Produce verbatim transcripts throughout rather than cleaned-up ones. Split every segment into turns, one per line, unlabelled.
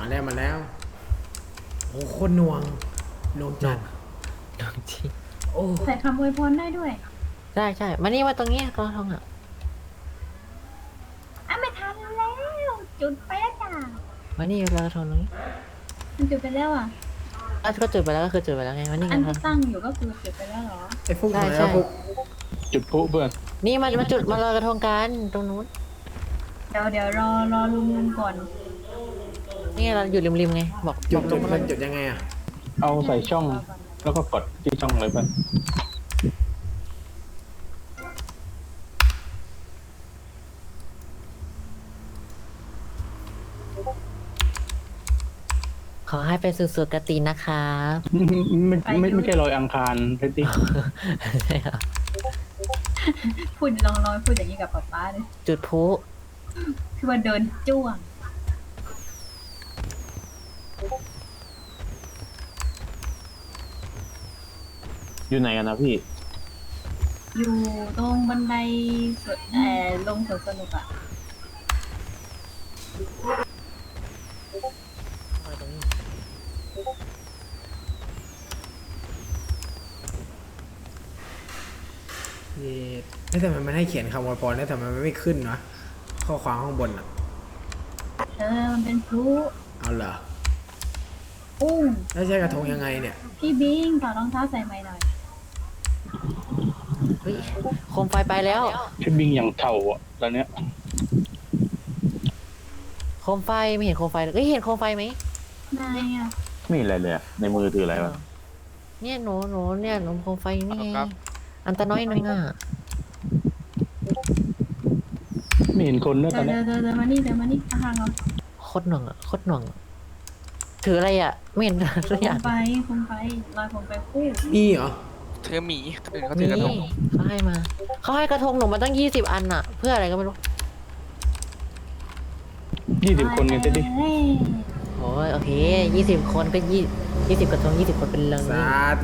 มาแล้วมาแล้วโอ้โคตรหน่วงหน่วงจัด
ลองจริง
โอ้
ใส่คำอวยพรได้ด้วย
ใช่ใช่มานี่มาตรงนี้กระทงอ่ะ
อ่ะไม่ทันแล้ว จุดไปแล้วจ้า
มานี่ลอยกระทงตรงนี้
มันจุดไปแล้วอ่ะ
อ่ะก็จุดไปแล้วก็คือจุดไปแล้วไงมานี่
อั
กัน น
ที่
ทำ
ตั้งอยู่ก็คือจุดไปแล้วเหรอ
ไอ้ฟุก
ใช่
หาย
ใช่
แล้วฟุก
จุดพลุเพื่อน
นี่มามาจุดมาลอยกระทงกันตรงนู้น
เดี๋ยวเดี๋ยวรอรอลุงลุงก่อน
นี่เราอยู่ริมๆไงบอก
จุ
บ
ด
อก
ต
ต
ร
รง ง
นั้
นั้น น
จุดยังไงอ่ะ
เอาใส่ช่องแล้วก็กดที่ช่องเลยเพื่อน
ขอให้เป็นสุดๆกตินะคะ
ไม่ไม่ไม่ใช่ลอยอังคารเพื่อนที่
ใช่ครับ
พูดลองลองพูดอย่างนี้กับป๊าป๊าเลย
จุดพลุ
คือว่าเดินจ้วง
อยู่ไหนกันนะพี่
อยู่ตรงบันไดสวนเอ่อลงสวนสนุกอ่ะ
เย้ไม่แต่มันไม่ให้เขียนคำอวยพรได้แต่มันไม่ขึ้นวะข้อความข้างบนอ่ะ
เธอมันเป็นพลุ
เอาเหรอ
อุ้ง
แล้วใช้กระทงยังไงเนี่ย
พี่บิงถอดรองเท้าใส่ไม้หน่อย
เฮ้ยโคมไฟไปแล้ว
พี่บิงอย่างเท่าอ่ะตอนเนี้ย
โคมไฟไม่เห็นโคมไฟเลยเฮ้ยเห็นโคมไฟไหม
นายอ่ะ
ไม่เห็นอะไรเลยอะในมือถืออะไรวะ
เนี่ยหนูหนูเนี่ยหนูโคมไฟนี่ไงอันตะน้อยนึงอ่ะ
ไม่เห็นคนด้วย
เดิ
ตอน
น
เนี้
เดิ
ย
นเดินเดินมานี่เดินมานี่ข้างๆเรา
โคตรหน่วงอ่ะโคตรหน่วงอะถืออะไรอ่ะ ไม่เห็นสักอย่าง
คงไปคงไปลอยคงไปคู่
นี่เหรอ
เธอหมีคนอื่นเขาถื
นี่
อกระทง
เขาให้มาเขาให้กระทงหนูมาตั้งยี่สิบอันอ่ะ เพื่ออะไรก็ไม่รู้
ยี่สิบคนกันเต้ดิ
เอ้ย
โอ้ยโอเคยี่สิบคนก็ยี่ยี่สิบกระทงยี่สิบคนเป็นเรื่อง
สาธุ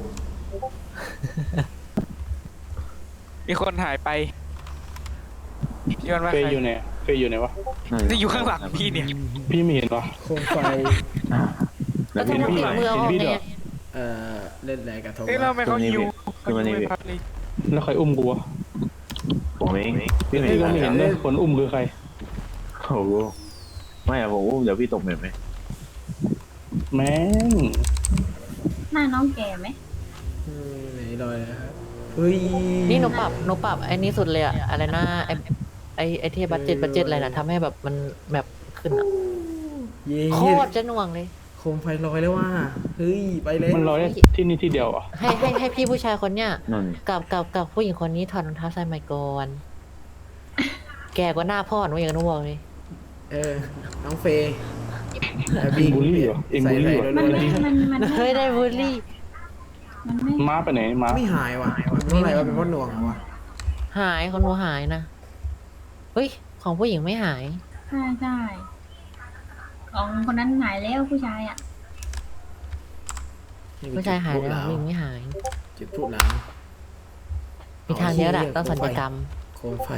มีคนหายไปพี่วันว่า
เฟ
ใคร
ยอยู่ไหนเฟยอยู่ไหนวะ
นี่อยู่ข้างหลังพี่เนี่ย
พี่ไม่เห็นวะ
โคมไฟ
กระทงมันติดมือออกไง
เอ่อเล่นอะไรกระทง
เอ้ยเราไม่เขาหิว
คือมันนี่
เขา
พี่
หิวไปพักเลย
แล้วใครอุ้มกูวะ
ผมเองพี่ไม่
พี่ก็
เห็น
ไม่เห็นเลยคนอุ้มคือใคร
โอ้โหไม่อะผมอุ้มเดี๋ยวพี่ตกเหม็นไหม
แม่ง
หน้าน้องแก่ไหม
อืมไหนลอยนะครับเฮ้ย
นี่หนูปรับหนูปรับไอ้นี้สุดเลยอะอะไรนะไอ้ไอ้ไอ้ที่บัตเจ็ตบัตเจ็ตอะไรนะทำให้แบบมันแบบขึ้นอะ
เย้
โคตรจะหน่วงเลย
โคมไฟลอยแล้วว่าเฮ้ยไปเลย
มันลอยได้ที่นี่ที่เดียวอ่ะ
ให้ให้ให้พี่ผู้ชายคนเนี้ย
นั่น
กับกับกับผู้หญิงคนนี้ถอดรองเท้าใส่ไมโกนแก่กว่าหน้าพ่อหนูอย่างนู้นบอกเลย
เออน้องเฟย์
เอ็งบูลลี่เหรอเอ็งบูลลี่เหรอ
มันไม่มันมัน
เฮ้ยได้บูลลี่
มันไม่
ม้าไปไหนม้า
ไม่หายว่ะมันเป็นอะไรวะเป็นเพราะหน่วงเหรอวะ
หายของหนูหายนะเฮ้ยของผู้หญิงไม่หาย
ใช่ใช่ของคนนั้นหายแล้วผู้ชายอ่ะ
ผู้ชายหายแล้วผู้หญิงไม่หาย
จุดพลุหนาว
มีทางเดียวแหละต้องสัญญกรรม
โคมไฟ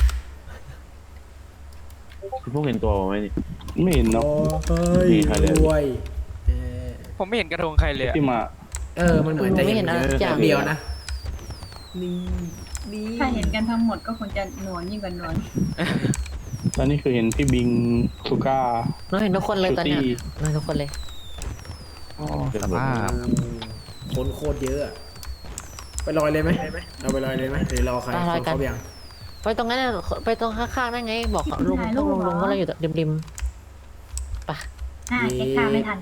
พี่พวกเห็นตัวผมไหมนี่
ไม่เห็น
โอ้
เนาะ
เฮ้ย
มีใครเลย
รวยเออ
ผมไม่เห็นกระทงใครเลยอะ
ที่มา
เออมันเหมือนจะ
ไม่เห็นอะไรสักอย่าง
เดียวนะนี่นี่
ถ้าเห็นกันทั้งหมดก็คงจะหนวลยิ่งกว่าหนวล
ตอนนี้คือเห็นพี่บิงสุก้า
หนูเห็นทุกคนเลยตอนเนี้ย
ชูตี้
หนูเห็นทุกคนเลย
สภาพ
คนโคตรเยอะอะไปลอยเลยไหมเราไปลอยเลยไหมหรือรอใครคนเขายัง
ไปตรงนั้นน่ะไปตรงข้างๆนั่นไง บอกลุงลุงลุงลุงว่าเราอยู่ริมๆไปะ
อ่าเช็คค่าไม่ทัน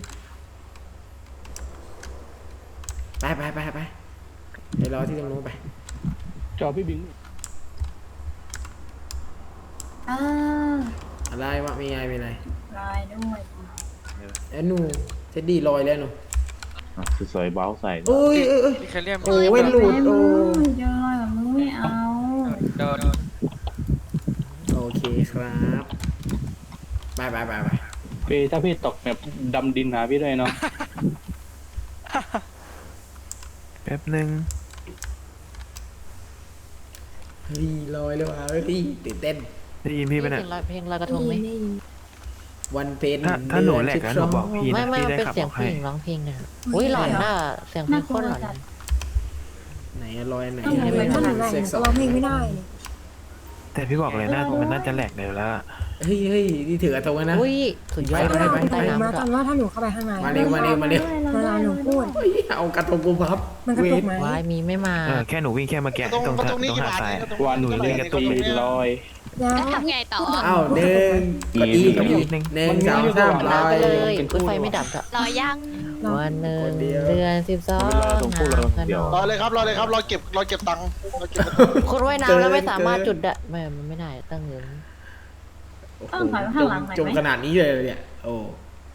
ไปไปไปไปไปรอที่ตรงนู้นไป
จอพี่บิง
เออ
อะไรวะมีอะไรมีอะไร
ลอยด้วย
ไอ้หนูเท็ดดี้ลอยแล้วหนู
อ่ะสวยๆเบ้าใส่
โอ้ยเอ้ยเอ้ย
มีใครเรียก
โอ้ยหลุดโอ้
เจอลอยแบบมึงไม่เอา
โดน
โอเคครับไปไปไปไป
เฟยถ้าพี่ตกแบบดำดินหาพี่ด้วยเนาะ
แป๊บหนึ่ง
เฮ้ยลอยแล้วว่ะเฮ้ยตื่นเต้น
ได้ยินพี่ไหม
เพล
เนี่ย
งลอยเพลงลอยกระทงไหม
ไวันเพ็ญ
ถ้าถ้าหนูแหลก
สิบ
แล้ว
ส
หนู
อง
บอกพี่
ไม่
นะ
ไม่
พี่
มัน
ได้
เป็น
ขับ
เสีย
อง อก
ผู้
ให้
หญิงร้องเพลงนะอุ้ยหลอนน่ะเสียงเพลงโคตรหลอนเลย
ไหนอะรอยไหน
ต้องไหน
เฮ้ย
ต้องไหน
เซ็กซ์สอง
ร้องเพลงไม่ได้
แต่พี่บอกเลยนะมันน่าจะแหลกเดี๋ยวแล้ว
เฮ้ยเฮ้ยนี่ถือกระทงแล้วนะ
อุ้ยสุดยอด
ไปไปไป
ใต้
แต่
น้ำ
มา
ด้ว
ตอย นว่าถ้าหนูเข้าไปข้างใน
มาเร็วมาเร็วมาเร็ว
เวลาหนูพูด
เฮ้ยเอากระทงกูพับ
มันกระตุกไหม
วายมีไม่มา
เออแค่หนูวิ่งแค่เมื่อกี้ตรงตรงหาดทราย
วันหนูเล่นกระตุกลอย
แล้ว
ทำไงต่อ
อ้าวหนึ่งกดอีกดอีหนึ่งสองสามล
ลา
อย
ไปเลยอุ้ยไฟไม่ดับอะ
รอยัง
วันหนึ่งเดือนสิบสอง
รอเลยครับรอเลยครับรอเก็บรอเก็บตังค์รอเก็บ
คนว่ายน้ำแล้วไม่สามารถจุดได้ไม่มันไม่ได้ตั้งเงิน
ต้องถอยไปข้างหลังหน่อย
จม
ไหม
ขนาดนี้เลยเนี่ยโอ้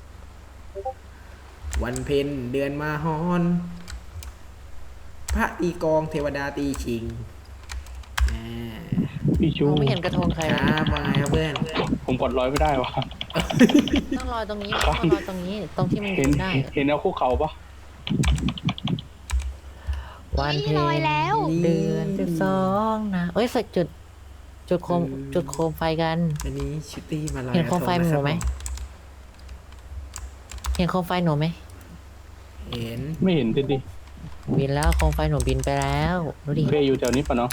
วันเพ็ญเดือนมาฮอน พระตีกองเทวดาตีชิงอ่า
พี่ชู
มองไม่เห็นกระทงใคร
ค
เลย
รับว่าไงครับเพื่อน
ผมกดร้อยไม่ได้วะ
ต้องรอตรงนี้ต้องรอตรงนี้ตรงที่มัน
เห็น
ได้
เห็นเอาคุกเขาปะ
วันเพ็
ลอย
ญ
แล้ว
เดือนสิบสองนะเอ้ยใส่จุด จุดโคมจุดโคมไฟกัน
อันนี้ชิตตี้มาลอย
เห็นโคมไฟหนูไหม เห็นโคมไฟหนูไหม
เห็น
ไม่เห็นดิดิ
บินแล้วโคมไฟหนูบินไปแล้วดูดิ
เฟยอยู่แถวนี้ปะเนาะ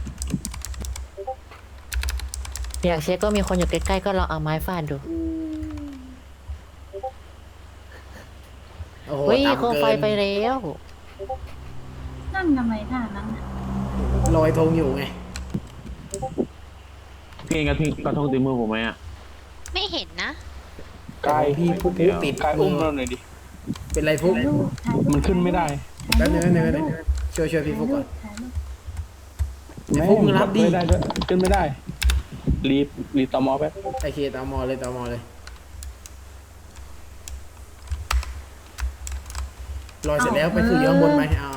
อยากเช็คก็มีคนอยู่ใกล้ๆก็ลองเอาไม้ฟาดดู
โอ้โห
เฮ้ย
ต่ำ
โคม
เกิ
ไฟ
น
ไปแล้ว
นั่นทำไมท่านั้นน่ะ
ลอยธงอยู่ไง
พี่เองกระทงกระทงตีมือผมไหมอ่ะ
ไม่เห็นนะ
กาย
พี่ปุ๊บปุ๊บติด
กายอุ้มเราหน่อยดิ
เป็นไรฟุก
ถ่ายรูปถ่ายรูป
มันขึ้นไม่ได้
แป๊บนึงแป๊บนึงแป๊บนึงช่วยช่วยพี่ฟุกก่อน
ถ่ายรูป
ไอ้พวกมึงรับดิ
ไม่ได้ด้วยขึ้นไม่ได้ รีบรีบตอมอแป๊บ
ไอเคตามมอเลยตามมอเลยลอยเสร็จแล้วไปคืออยู่ข้างบนไหมอ่า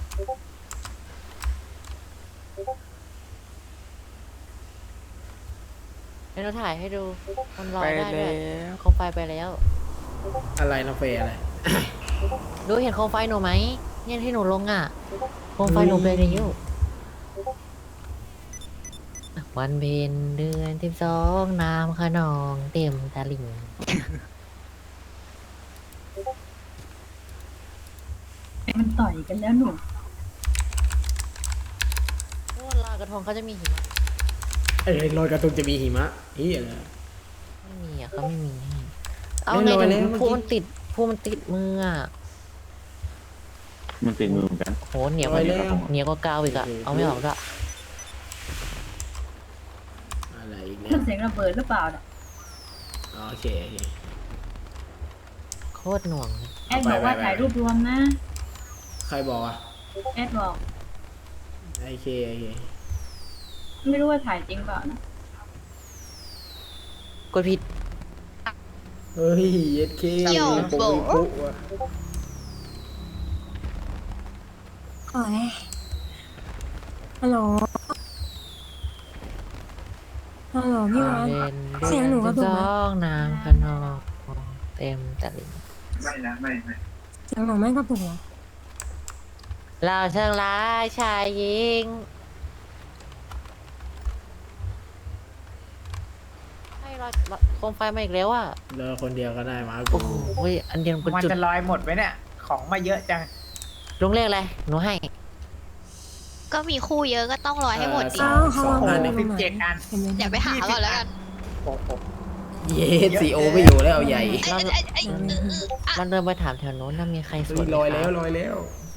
ให้เราถ่ายให้ดูมันลอ
ไป
ยได้ด้
แล้ว
ยว โคมไฟไปแล้ว
อะไรน้องเฟยอะไร
ดูเห็นโคมไฟหนูไหมเนี่ยที่หนูลงอ่ะ โคมไฟหนูไปในยุวันเพ็ญเดือนสิบสองน้ำขนองเต็มตะลิ่ง
มันต่อยกันแล้วหนู
โอ้ลอยกระทงเขาจะมีหิมะ
ไอ้ลอยกระทงจะมีหิมะเฮียอะไร
ไม่มีอ่ะเขาไม่มีให้เอา
ไม่
ไง
ลอย
เดี๋ยว
แล้วเมื่อกี้
พูมันติดพูมันติดมืออ่ะ
มันติดมือเหมือนกัน
โหเหนียวกว่าเหนียวกว่ากาวอีกอ่ะเอาไม่ออกละ
อะไรอีก
เค
เนี่
รื่อย งเสียงระเบิดหรือเปล่าน่ะ
อ๋อโอเคโอเค
โคตรหน่วงเลย
แอดบอกว่าถ่ายรูปรวมนะ
ใครบอกอ่ะ
แอดบอก
ไอเคโอเค
ไม่รู้ว่าถ่ายจริงเปล่านะ
กดผิด
เฮ้ยเย็ดเค
โย่
ปุ๊บ
โบ
ปุ๊บว่ะ
โอ้ยฮัลโหลฮัลโหลพี่วัน
เป็น
เสียงหนูกระตุกไหม
สองน้ำขนองเต็มตะลิ่ง
เสียงหนูไม่กระตุกเหรอ
เราเชิงร้ายชายหญิงให้รอยโคมไฟมาอีกแล้วอ่ะ
เลิกคนเดียวก็ได้มา
โอ้
กู
โหอันเดียวกัน
มัน
จุด
จะลอยหมดไหมเนี่ย ของมาเยอะจัง
ลุงเลขอะไรหนูให้
ก็มีคู่เยอะก็ต้องรอให้หมดดิ
สองสองห้าหนึ่ง
สิบเจ็ดอัน
เห็นไหม
เดี๋ยวไปหาก่อนแล้วกัน
โอ้โห
เย็ดซีโอไม่อยู่แล้วเอาใหญ่
ไอ้ไอ้ไอ้ไอ้เออเอออ่ะ
มันเดินไปถามแถวโน้นน่ามีใครส
เฮ้
วย
ย
ไหม
ลอย
ค
แล้ว
รับ
ลอยแล้ว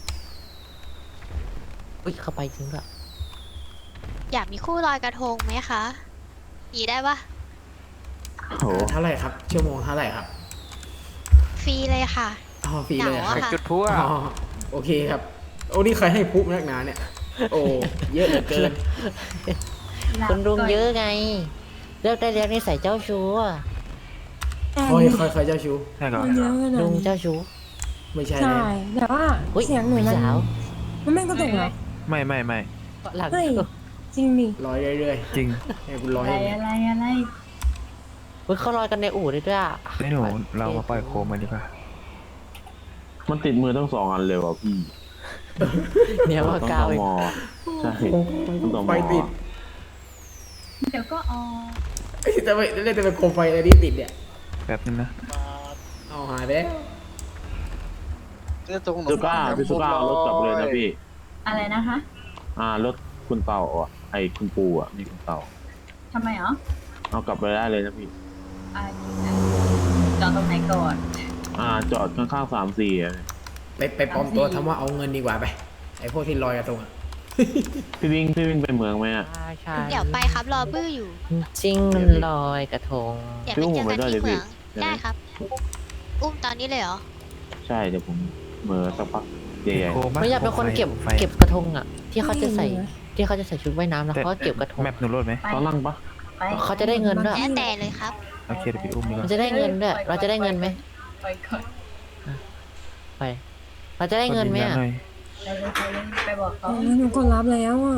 อุ้ยเข้าไปจริงด้วย
อยากมีคู่ลอยกระทงไหมคะมีได้ปะ
โอ้โห
เท่าไหร่ครับ ชั่วโมงเท่าไหร่ครับ
ฟรีเลยค่ะ
อ๋อฟรีเลยเหรอครับ
เหงาอะ
จุดพลุอ่ะ
อ๋อโอเคครับ โอ้นี่ใครให้พุบนักหนาเนี่ย โอ้เยอะเหลือเกิน
คุณลุงเยอะไงเลือกได้เรียกนิสัยเจ้าชู้อะ
แต่
คอยคอยคอยเจ้าชู้
ใช่ก่อน
มันเยอะขนาด
ลุง
นี้
เจ้าชู้
ไม่ใช่
ใช่
แล้ว
แต่ว่า
อุ๊ย
เสียงหนู
พี่
มัน
สาว
มันไม่กระตุกเหรอ
ไม่ไม่ไม่
หลัง
เฮ้ย จริงดิ
ลอยเรื่อย
จริง
ๆให้กูล
อะ
อย
ไร
ให้
อะไรอะไร
เฮ้ยเขาลอยกันในอู่ด้วยด้วยอะ
ให้หนูเรามาปล่อยโคมกันดีกว่า
มันติดมือทั้งสองอันเลยว่ะพี่
เนี่ยว่า
ต้อง
กาว
ต
อีก
มใช่ต้องตม
ไฟติด
เดี๋ยวก็ออก
เอ้ยแต่ไม่เล่นแต่เป็นโคมไฟอะไรที่ติดเนี่ย
แป๊บนึงนะ
เอาหายไปแล้ว
เนี่ยตรงหน
สุก้าพี่สุก้าเอารถกลับเลยนะพี่
อะไรนะคะ
อ่ารถคุณเต่าอ่ะไอ้คุณปูอ่ะนี่คุณเต่า
ทำไมอ๋อ
เอากลับไปได้เลยนะพี่
อ่าจอดตรงไหนก่อน
อ่าจอดข้างๆสามสี่อ่ะ
ไปไปปลอมตัวทำว่าเอาเงินดีกว่าไปไอพวกที่ลอยกระทงอะ
พี่วิ่งพี่วิ่งไปเมืองไหมอ่ะ
ใช่ใช่
เดี๋ยวไปครับรอบื้ออยู่
จริงลอยกระทง
เดี๋ยวไปเจอกันที่เหมือง
พี่อุ้มผมไปด้วยดิพี่
ได้ครับ อุ้มตอนนี้เลยเหรอ
ใช่เดี๋ยวผมเหมือสักพักใหญ่
โคมะ
ไม่อยากเป็นคนเก็บ
ไฟ
เก็บกระทงอ่ะ ที่เขาจะใส่ที่เขาจะใส่ชุดว่ายน้ำแล้ว
แต่
เขาก็เก็บกระทง
แมปหนูโหลดไหม
ไป
ๆตอนนั่งปะ
ไป
เขาจะได้เงินด้วย
แล้วแต่เลยครับ
โอเคเดี๋ยวพี่อุ้มดีก
มัน
ว่า
จะได้เงินด้วย เราจะได้เงินไหม
ไปก่อน
ไป เราจะได้เงินไหม
กดยื
อ่ะ
ยัหน่อย
ไปเลยไปเลยไปบอกเขา
หนูกดรับแล้วอ่ะ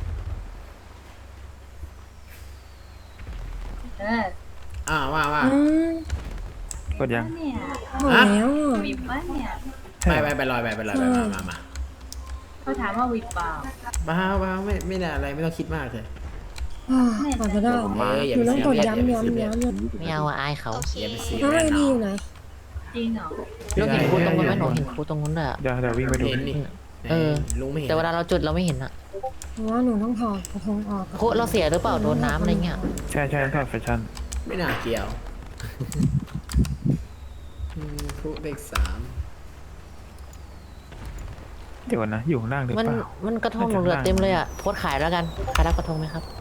เออ
อ่าว่าว่า
อืม
กดยัง
เนี่ย
กดแล้วอ่ะ
วิบปะเนี่ย
ไปไปไปลอยไปไปลอยไปมามามา
เขาถามว่าวิบเปล่า
บ้าบ้าไม่ไม่ได้อะไรไม่ต้องคิดมากเลย
อ่ากดไม่ได้
เอ้ยอย่า
หนู
ไป
ต้อง
เสีย
กด
เรียสอย่า
ย้ำ
ไป
ย้ำ
เสียเรียส
ย้ำ
ไม่เอาอะอายเขา
โอเค
อย่าไปเสีย
แล้ว
เรี
ไอย
ส
ดีอยู่ไหน
จริงเหรอ
เราเห็นครูตรงนู้นไหมหนูเห็นครูตรงนู้นเลยอะ
เดี๋ยวเดี๋ยววิ่งไปดู
เห็นนี่
เออ
ลุงไม่เห็น
แต่เวลาเราจุดเราไม่เห็นอ่ะ
เพราะว่าหนูต้องถอดกระทงออก
ครูเราเสียหรือเปล่าโดนน้ำอะไรเงี้ย
ใช่ใช่ต้องแฟชั่น
ไม่น่าเกี่ยวอืมพวกเลขสาม
เดี๋ยวก่อนนะอยู่ข้างล่างหรือ
มัน
เปล่า
มันกระทงหนูเหลือเต็มเลยอ่ะโพสต์ขายแล้วกันใครรับกระทงไหมครับ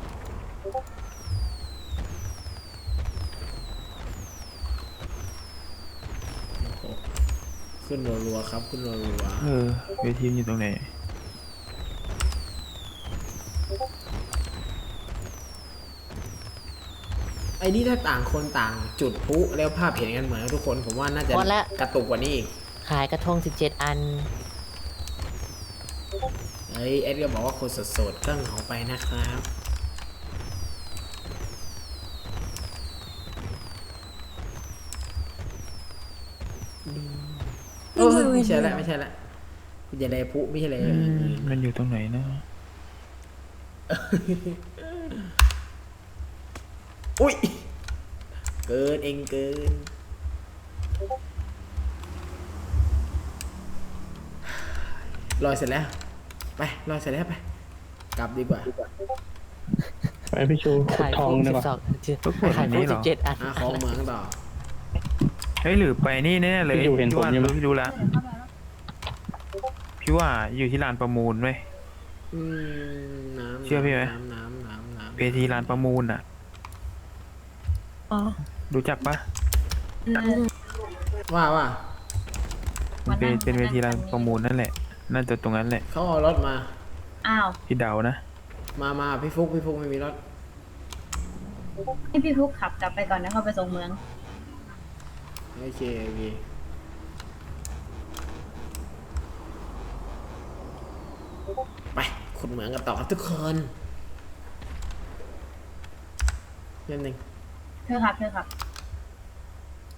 ขึ้นรัวๆครับขึ้นรัว
เออเวทีมันอยู่ตรงไหน
ๆไอ้นี่ถ้าต่างคนต่างจุดพลุแล้วภาพเห็นกันเหมือนทุกคนผมว่าน่าจะ
พอแล้ว
กระตุกกว่านี้อีก
ขายกระทงสิบเจ็ดอัน
เฮ้ยเอ็ดก็บอกว่าคนสดๆก็เหงาไปนะครับโอ้ยไม่ใช่ละไม่ใช่ละอย่าเลยพลุไม่ใช่เลย
อืมมันอยู่ตรงไหนนะ
อุ้ยเกินเองเกินลอยเสร็จแล้วไปลอยเสร็จแล้วไปกลับดีกว่า
ไปพี่ชู
ขาย
ทอง
คู่
ดี
สิ
กว่า
บสอง
ก็กด
ขาย
อันนี้
คู่
เหร
สิ
อ
บเจ็ดอัน
หาของเหมืองต่อ
เฮ้ยหรือไปนี่แน่เลย
พี่อยู่เห็นผม
ว่า
ใช่ไหม
รู้พี่รู้ละพี่ว่าอยู่ที่ลานประมูลไหม
อืมน้ำ
เชื่อพี่ไหม
น้ำน้ำน้ำน้ำ
เวทีลานประมูลอ่ะ
อ๋อ
รู้จักปะ
ว่าว่า
มันเป็นเป็นเวทีลานประมูลนั่นแหละน่าจะตรงนั้นแหละ
เขาเอารถมา
อ้าว
พี่เดานะ
มามาพี่ฟุกพี่ฟุกไม่มีรถ
ให้พี่พุกขับกลับไปก่อนนะเข้าไปส่งเมือง
โอเคโอเคไปขุดเหมืองกันต่อครับทุกคนเรื่องหนึ่ง
เธอขับเธอขับ